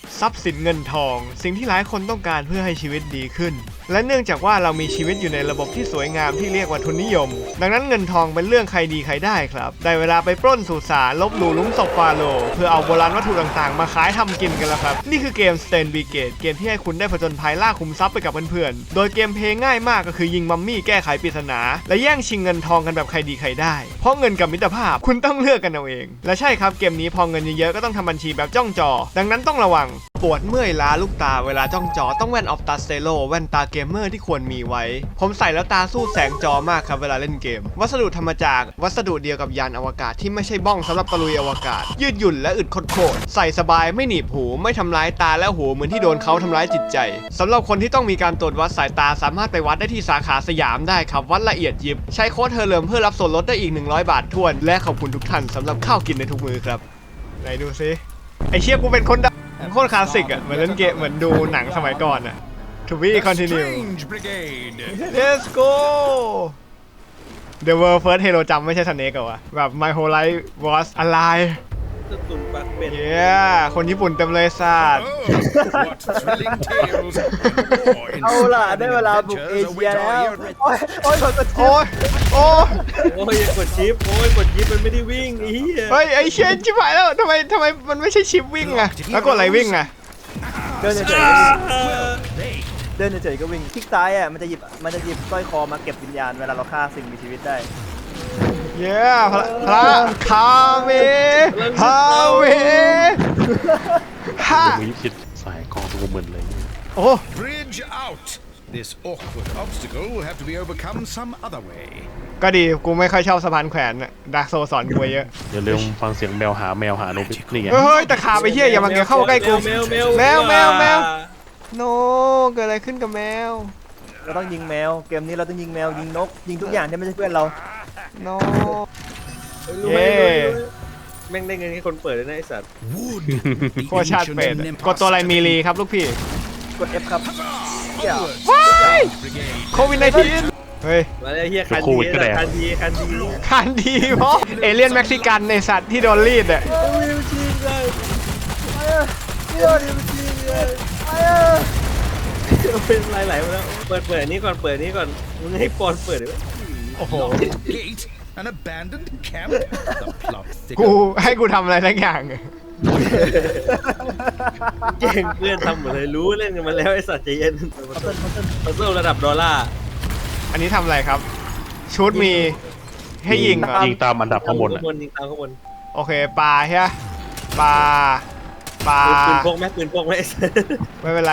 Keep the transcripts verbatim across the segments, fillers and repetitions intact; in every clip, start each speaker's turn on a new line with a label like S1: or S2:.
S1: ทรัพย์สินเงินทองสิ่งที่หลายคนต้องการเพื่อให้ชีวิตดีขึ้นและเนื่องจากว่าเรามีชีวิตอยู่ในระบบที่สวยงามที่เรียกว่าทุนนิยมดังนั้นเงินทองเป็นเรื่องใครดีใครได้ครับได้เวลาไปปล้นสุสานลบหลู่ลุมศพฟาโรห์เพื่อเอาโบราณวัตถุต่างๆมาขายทำกินกันแล้วครับนี่คือเกม Steins Brigade เกมที่ให้คุณได้ผจญภัยล่าขุมทรัพย์ไปกับเพื่อนๆโดยเกมเพลย์ง่ายมากก็คือยิงมัมมี่แก้ไขปริศนาและแย่งชิงเงินทองกันแบบใครดีใครได้เพราะเงินกับมิตรภาพคุณต้องเลือกกันเอาเองและใช่ครับเกมนี้พอเงินเยอะๆก็ต้องทำบัญชีแบบจ้องจอดังนั้นต้องระวังปวดเมื่อยล้าลูกตาเวลาจ้องจอต้องแว่นออฟตาสเตโลแว่นตาเกมเมอร์ที่ควรมีไว้ผมใส่แล้วตาสู้แสงจอมากครับเวลาเล่นเกมวัสดุทำมาจากวัสดุเดียวกับยานอวกาศที่ไม่ใช่บ้องสำหรับตะลุยอวกาศยืดหยุ่นและอึดโคตรใส่สบายไม่หนีบหูไม่ทำร้ายตาและหูเหมือนที่โดนเขาทำร้ายจิตใจสำหรับคนที่ต้องมีการตรวจวัดสายตาสามารถไปวัดได้ที่สาขาสยามได้ครับวัดละเอียดยิบใช้โค้ดเฮอร์เลิมเพื่อรับส่วนลดได้อีกหนึ่งร้อยบาททวนและขอบคุณทุกท่านสำหรับข้าวกินในทุกมื้อครับไหนดูซิไอเชี่ยกูเป็นคนโคตรคลาสสิกอ่ะเหมือนเล่นเกมเหมือนดูหนังสมัยก่อนอ่ะ To be continue Let's go The world first hero จำไม่ใช่สเนกเหรอวะแบบ My whole life was alive
S2: ตุ่นปักเป็ด
S1: Yeah คนญี่ปุ่นเต็มเลยสัตว์
S3: เอาล่ะได้เวลาบุกเอเชียแล้วโอ้ยโอ้ยกดกดชิป
S1: โอ้ยโอ้ย
S2: โอ้ยกดชิปโอ้ยกดชิปมันไม่ได้วิ่งไอ้เหี้ย
S1: เฮ้ยไอเชนชิบหายแล้วทำไมทำไมมันไม่ใช่ชิปวิ่งอะแล้วกดอะไรวิ่งอะ
S3: เดินเฉยๆเดินเฉยๆก็วิ่งคลิกซ้ายอ่ะมันจะหยิบมันจะหยิบสร้อยคอมาเก็บวิญญาณเวลาเราฆ่าสิ่งมีชีวิตได้
S1: เย้พระพระคาเมฮาเวฮา
S4: มีคิดสายกองตัวเหมือนเลย
S1: โอ้
S5: Bridge out. This awkward obstacle will have to be overcome some other way.
S1: ก็ดีกูไม่ค่อยชอบสะพานแขวนอะดาร์กโซสอนกูเยอะ
S4: เดี๋ยวเร็วฟังเสียงแมวหาแมวหาโนบินี่ไง
S1: เฮ้ยตะขาบไปเหี้ยอย่ามาเกี่ยวเข้าใกล้กู
S2: แมวแมว
S1: แมวแมวแมว โนเกิดอะไรขึ้นกับแมว
S3: เราต้องยิงแมวเกมนี้เราต้องยิงแมวยิงนกยิงทุกอย่างที่ไม่ใช่เพื่อนเรา
S1: โน
S2: เย้แม่งได้เงินให้คนเปิดเลยนะไอ้สัตว์
S5: Would
S1: โคชาติเป็ดกดตัวอะไรมีรีครับลูกพี่
S3: กด F ครับ
S1: ว้ายโควิดสิบเก้าเฮ้ย
S2: มาเลยเฮียคันดีคันดีคันดี
S1: คันดีเพราะเอเลี่ยนเม็กซิกันในสัตว์ที่โดนรีดอะ
S2: วิวชิงเลย
S3: เดี๋ยวดิมันจริงเลยไอ้
S2: เป็นไรไหลมาแล้วเปิดเปิดนี้ก่อนเปิดนี้ก่อนมึงให้ปอนเปิดดิ
S1: โอ้โห
S5: gate an abandoned camp. The plot
S1: กู
S5: thickens.
S1: ให้กูทำอะไรสักอย่าง
S2: แย่งเพื่อนทำหมดเลยรู้เล่นกันมาแล้วไอ้สัตว์ใจเย็นพัซเซิลระดับดอลลาร์
S1: อันนี้ทำอะไรครับ ชุดมีให้ยิงเหรอ
S4: ยิงตามอันดับข้างบน
S2: ข้า
S4: อ่ะ
S2: งบนยิงตามข้างบน
S1: โอเคปลาใช่ไหมปลาปลา
S2: ปืนพกไหมปืนพกไหม
S1: ไม่เป็นไร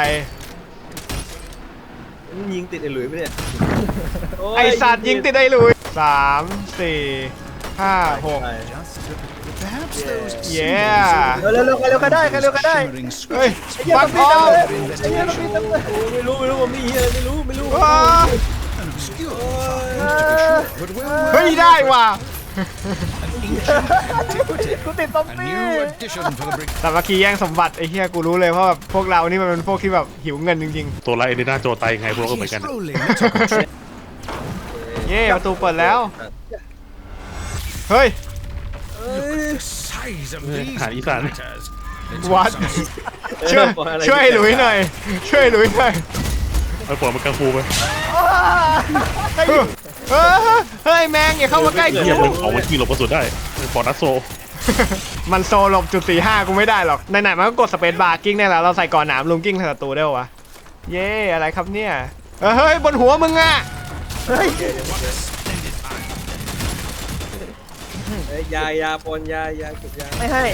S2: มันยิงติดไอ้หลุยไหมเนี่ย
S1: ไอสัตว์ยิงติดได้เลยสามสี่ห้าหก
S5: Perhaps those
S1: Yeah.
S5: symbols
S3: เร็วเร็วใครเร็วใครได้ใครเร็วใครได้
S5: shimmering
S1: เฮ้ย
S5: script
S1: ฟักออฟ
S3: ไอ้เหี้ยเราปีนเต็มเลย
S2: ไม่รู้ไม่รู้ผมนี่เฮียไม่รู้ไม่รู้
S1: ว้า
S5: an obscure find to be sure, but well
S1: เฮ้ยได้ว่ะ
S5: antiquity.
S3: กูติดซอม
S5: A
S3: บี้
S5: new addition for the brick.
S1: สามัคคีแย่งสมบัติไอ้เหี้ยกูรู้เลยเพราะแบบพวกเรานี่มันเป็นพวกที่แบบหิวเงินจริง
S4: ตัวไรเอเดน่าโจไตไงพวกก็เหมือน
S5: He's
S4: กัน
S5: rolling little
S1: ๆ เย่ประตูเปิดแล้ว เฮ้ย
S5: the size of these
S4: หาอีสาน
S5: matters.
S1: วัด ช่วยช่วยหลุยหน่อย ช่วยหลุยหน่อย
S4: ไอ้ปล่อยมันกังฟูไป
S1: เฮ้ยเฮ้ยเฮ้ยแมงอย่าเข้ามาใกล้
S4: เยี่ยมมันของมันขี่หลบกระสุนได้ปอนัสโซ
S1: มันโซหลบจุดสี่ห้ากูไม่ได้หรอกไหนๆมันก็กดสเปซบาร์กิ้งได้แล้วเราใส่ก่อนหนามลุงกิ้งใส่ศัตรูได้วะเย่อะไรครับเนี่ยเฮ้ยบนหัวมึงอะ
S3: เฮ้ย
S2: ยายาปอนยายาเก็บยา
S3: ไม่ให้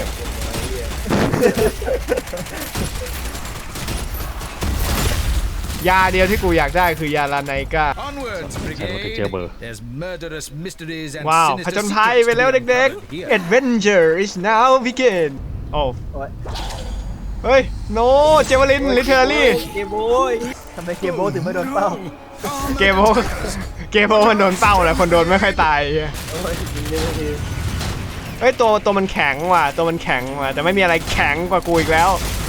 S1: ยาเดียวที่กูอยากได้คือยาลาไนก้า
S5: Onwards, brigade. There's murderous mysteries and
S1: ว้าวผ
S5: sinister
S1: จญภัย
S5: secrets
S1: ไปแล้ว
S5: to be
S1: เด็ก
S5: uncovered
S1: ๆ
S5: here.
S1: Adventure is now begin โอ้
S3: โอ้ย
S1: เฮ้ยโนเจวลินลิเทอรี่
S2: เกมโบย
S3: ทำไมเกมโบถึงไม่โดนเป้า
S1: เกมโบเกมโบมันโดนเป้าแหละคนโดนไม่ค่อยตายเ
S2: โอ้ยยิงเยอะที
S1: ฮ้ยตัวตัวมันแข็งว่ะตัวมันแข็งว่ะแต่ไม่มีอะไรแข็งกว่ากูอีกแล้ว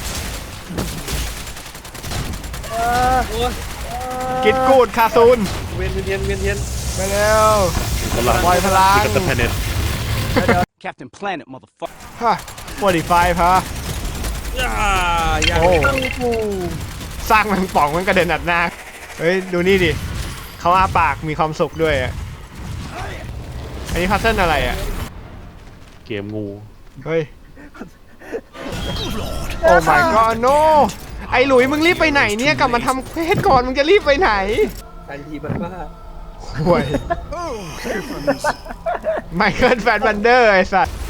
S2: โอ้ย
S1: กิดกูดคาซูน
S2: เวียนเวียนเวียนเวียน
S1: ไปเร็ว
S4: กำลัง
S1: ปล่อยพลัง
S4: กับตันแพเน็ต
S6: Captain Planet, motherfucker.
S1: ฮะสี่สิบห้าฮะ
S2: อ่าอย่าง
S1: โอ้
S3: โอ้
S1: สร้างแมงป่องมันกระเด็นอัดหน้าเฮ้ยดูนี่ดิเขาอ้าปากมีความสุขด้วยอะอันนี้พัซเซิลอะไรอ่ะ
S4: เกมงู
S1: เฮ้ย โอ้ my god no ไอ้หลุยมึงรีบไปไหนเนี่ยกลับมาทำเควสก่อนมึงจะรีบไปไหน
S2: ทันทีมันว่า
S1: ห่วยไมเคิลแฟนบันเดอร์ไอ้สัตว์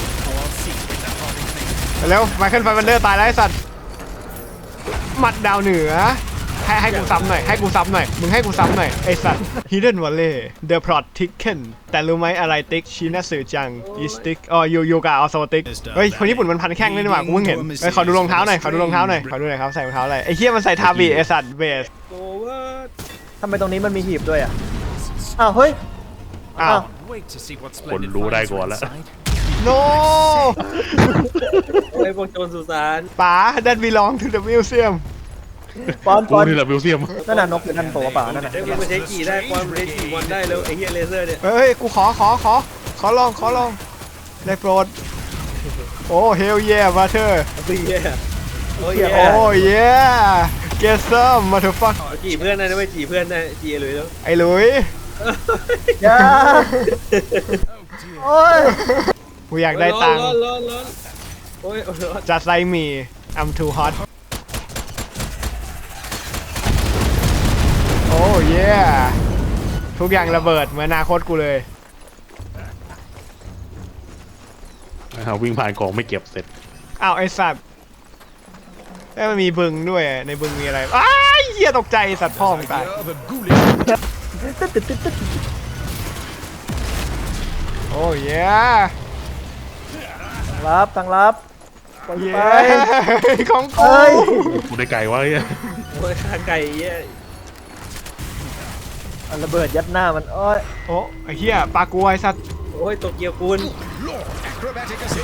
S1: แล้วไมเคิลแฟนบันเดอร์ตายแล้วไอ้สัตว์หมัดดาวเหนือให้ให้กูซ้ำหน่อยให้กูซ้ำหน่อยมึงให้กูซ้ำหน่อยไอ้สัตว์ Hidden Valley The Plot Thicken แต่รู้ไหมอะไรติ๊กชินาสึจังอีสติ๊กอ๋อยูยูกาออโซติ๊กเฮ้ยคนญี่ปุ่นมันพันแข้งเลยนี่หว่ากูเพิ่งเห็นเฮ้ยขอดูรองเท้าหน่อยขอดูรองเท้าหน่อยขอดูหน่อยครับใส่รองเท้าอะไรไอ้เหี้ยมันใส่ทาบีไอ้สัตว์เบส
S2: โอ้ว่า
S3: ทำไมตรงนี้มันมีหีบด้วยอ่ะอ้าวเฮ้ย
S1: อ้าว
S4: คนรู้ได้ก่อนแล้ว
S1: no
S2: โอ้ยพวกโจรสุสาน
S1: ป๋า that belong to the museum
S3: ปอนป
S4: กู
S3: อน
S4: นี่แหละมิวเซียม
S3: นั่นน่ะนกอยู่นั่นตัวเปล่านั่นน่ะ
S2: เอ้ยมันมาใช้กี่ได้ความเรจีวันได้แล้วไอ้เหี้ยเลเซอร์เนี่ย
S1: เฮ้ย กูขอขอขอขอลองขอลองได้โปรด โอ้ hell yeah butter
S2: โอ้ยเหี้ยโอ้ยเหี้ย
S1: โอ้ yeah get some motherfucker
S2: จีเพื่อนได้นะไม่จีเพื่อนได้จีหลุยแล้ว
S1: ไอ้หลุย
S3: อย่าโอ้ย
S1: กูอยากได้ตังค์
S2: ร้อนร้อนร้อนโอ้ยร้อน
S1: just like me I'm too hot โอ้ yeah ทุกอย่างระเบิดเหมือนอนาคตกูเลย
S4: นะครับวิ่งผ่านกล่องไม่เก็บเสร็จ
S1: อ้าวไอ้สัตว์เอ้ยมันมีบึงด้วยในบึงมีอะไรอ้ายเหี้ยตกใจสัตว์พ่อมึงตาย
S5: Of a ghoulish
S3: ตึ๊ดตึ๊ดตึ๊ดตึ๊ด
S1: โอ้ย
S3: รับทางรับปล่อย
S1: เย้
S3: ไป
S1: ของกู
S3: เอ้ย
S4: กูได้ไก่วะไอ้เหี้ย
S2: โอ้ยข้าไก่เหี้ย
S3: เอาระเบิดยัดหน้ามันโอ้ย
S1: โอ้ไอ้เหี้ยปลากลัวไอ้สัตว์
S2: โอ้ยโตเกียวคุณ
S5: Lord, acrobatic assist.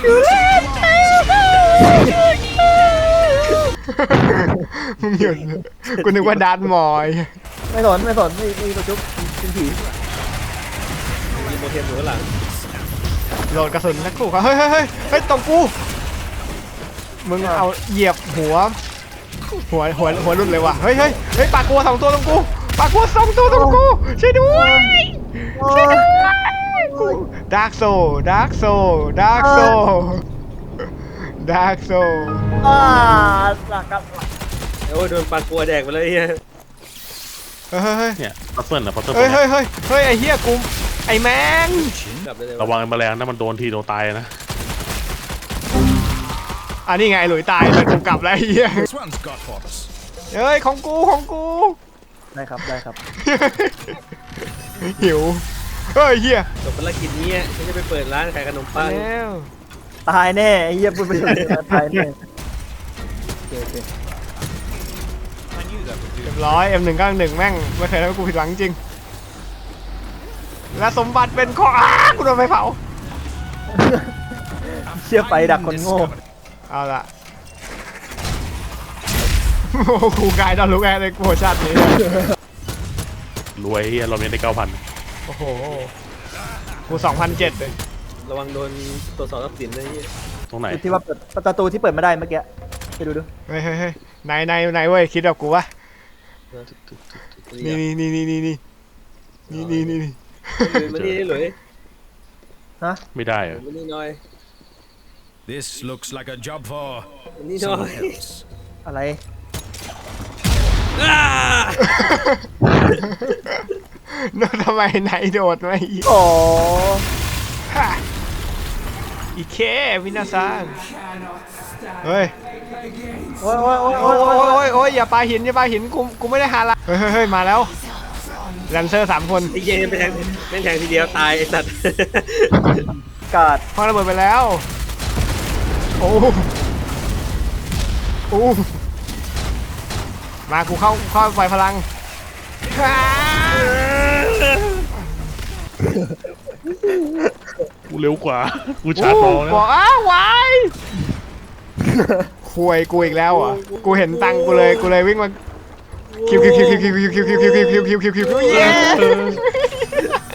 S1: มึงหยุดกูนึกว่าดาร์ธมอย
S3: ไม่สนไม่สนไม่ไม่ตัวจุ๊บเป็นผี
S2: มีโมเทมอยู่ข้างหลัง
S1: โหลดกระสุนนักขู่เขาเฮ้ยเฮ้ยเฮ้ยเฮ้ยตรงกูมึงเอาเหยียบหัวหัวหัวหัวรุดเลยว่ะเฮ้ยเฮ้ยเฮ้ยปลากลัวสองตัวตรงกูปลากลัวสองตัวตรงกูช่วยด้วย
S3: โอ้ย
S1: ดาร์กโซดาร์กโซดาร์กโซดาร์กโซ
S3: อ่าสักกับ
S2: โอ้ยโดนปลากัวแดกไปเลยเฮีย
S1: เฮ้ยเฮ้ย
S4: เนี่ยพัซเซิลอะพัซเซิล
S1: เฮ้ยเฮ้ยเฮ้ยเฮ้ยไอ้เหี้ยกูไอ้แมง
S2: กลับได้เลย
S4: ระวังไอ้แมลงนะมันโดนทีโดนตายนะ
S1: อันนี้ไงหลุยตายเลยกูกลับแล้วไอ้เหี้ย
S5: This one's got for us.
S1: เฮ้ยของกูของกู
S3: ได้ครับได้ครับ
S1: หิวเฮ้ยเหี้ย
S2: จบภารกิจนี้ฉันจะไปเปิดร้านขายขนมปัง
S1: แล้ว
S3: ตายแน่ไอ้เหี้ยพูดไปเลยตายแน่โอเคโอเค
S1: เรียบร้อย เอ็ม หนึ่ง เก้า หนึ่ง แม่งไม่เคยทำให้กูผิดหวังจริงและสมบัติเป็นของอ้ากูโดนไฟเผา
S3: เชื่อไปดักคนโง่
S1: เอาละโอ้โหครูกายตอนรู้ไงในโปรชั่นนี้
S4: รวยเหี้ยเราเมียได้เก้าพัน
S1: โอ้โหกูสองพันเจ็ดเลย
S2: ระวังโดนตรวจสอบทรัพย์สินนะเฮีย
S4: ตรงไหน
S3: ที่ว่าเปิดประตูที่เปิดไม่ได้เมื่อกี้ไปดูดู
S1: เฮ้ยเฮ้ยเฮ้ยไหนไหนไหนเว้ยคิดแบบกูวะนี่นี่นี่นี่นี่นี่นี่นี่นี่
S2: มานี่หลุย
S3: ฮะ
S4: ไม่ได้เหรอ
S2: มานี่หน่อย
S5: This looks like a job for
S2: มานี่หน่อย
S5: someone else.
S3: อะไร
S2: อ้า
S1: แล้วทำไมไหนโดดมาอีก
S3: โอ้
S1: ฮะอีเควินาซังเฮ้ย
S3: โอ้ยโอ้ยโอ้ย
S1: โอ้
S3: โอ้
S1: ย
S3: ย
S1: โอ้
S3: โอ้
S1: ย
S3: ย
S1: โอ้ยโอ้ยอย่าปาหินอย่าปาหินกูกูไม่ได้หาละเฮ้ยเฮ้ยเฮ้ยมาแล้วแลนเซอร์สามคน
S2: ไอ้เหี้ยไปแทงแม่งแทงทีเดียวตายไอ้สัตว์
S3: กาด
S1: พอระเบิดไปแล้วโอ้โอ้มากูเข้าเข้าไฟพลัง
S4: กูเร็วกว่ากูชาร์จ
S1: โอ้
S4: บอลนะ
S1: บอกอ้าววายคุยกูอีกแล้วอ่ะกูเห็นตังกูเลยกูเลยวิ่งมาคิวคิวคิวคิวคิวคิวคิวคิวคิวคิวคิวคิวคิวคิวเย้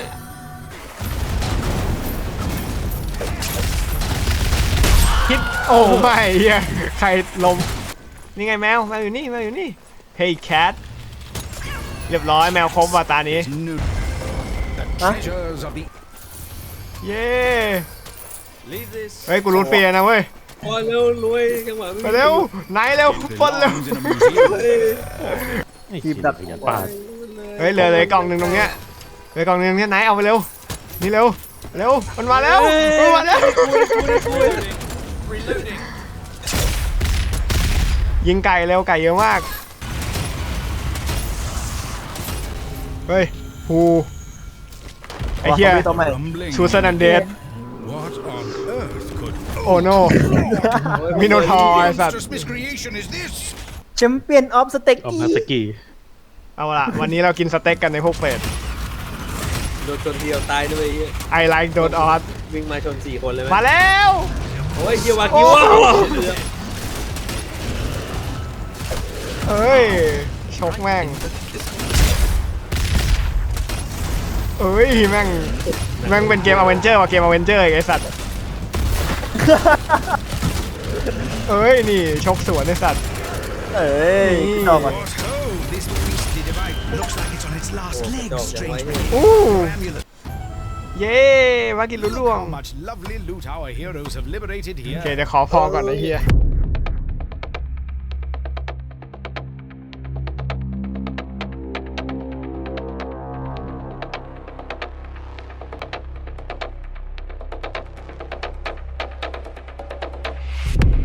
S1: คิดโอ้โอ้ไม่เฮียใครลมนี่ไงแมวแมวอยู่นี่แมวอยู่นี่ Hey cat เรียบร้อยแมวครบว่ะตานี้
S5: No. The treasures of the
S1: เย้เฮ้ยกูรูทฟรีนะเว้ย
S2: พอเร็วรวยจังหวะ
S1: ไปเร็วไหนเร็วปล้นเร็ว
S5: belongs in a museum.
S4: ไอ้เหี้ยขยันป้าด
S1: เฮ้ยเหลือเลยกล่องหนึ่งตรงเนี้ยเหลือกล่องหนึ่งเนี่ยไหนเอาไปเร็วนี่เร็วเร็วมันมาแล้วมันมาแล้วยิงไก่เร็วไก่เยอะมากเฮ้ยฮูไอ้เหี้ย
S3: ว่าขามีตัวใหม่
S5: Rumbling.
S1: ชูซันอันเดด
S5: What on earth could
S1: โอ้โนมิโนทอร์ไอ้สัตว์
S5: monstrous miscreation is this?
S3: แชมเปี้ยนออฟสเต็ก
S4: เอา
S3: อี
S4: มาสกี
S1: เอาล่ะวันนี้เรากินสเต็กกันในพวกเฟส
S2: โดนชนเดียวตายด้วยไอ้เหี้ย
S1: ไอไลค์โดนออส
S2: วิ่งมาชนสี่คนเลยไหม
S1: มาแล้ว
S2: โอ้ยเฮียวากิวะ
S1: เอ้ยชกแม่งเอ้ยแม่งแม่งเป็นเกมอเวนเจอร์ว่ะเกมอเวนเจอร์ไอ้สัตว์เอ้ยนี่ชกสวนไอ้สัตว์
S3: เอ้ยพี่ต่อก่อน
S5: What ho! This beastly device looks like it's on its last
S2: โอ้
S5: legs,
S2: ดอกยังไว้
S5: strange.
S1: อู้
S5: Amulet.
S1: เย้มากินลุ้
S5: Look
S1: ล่วง
S5: how much lovely loot our heroes have liberated
S1: โอ
S5: here.
S1: เคเดี๋ยวขอพอก่อนไอ้เฮีย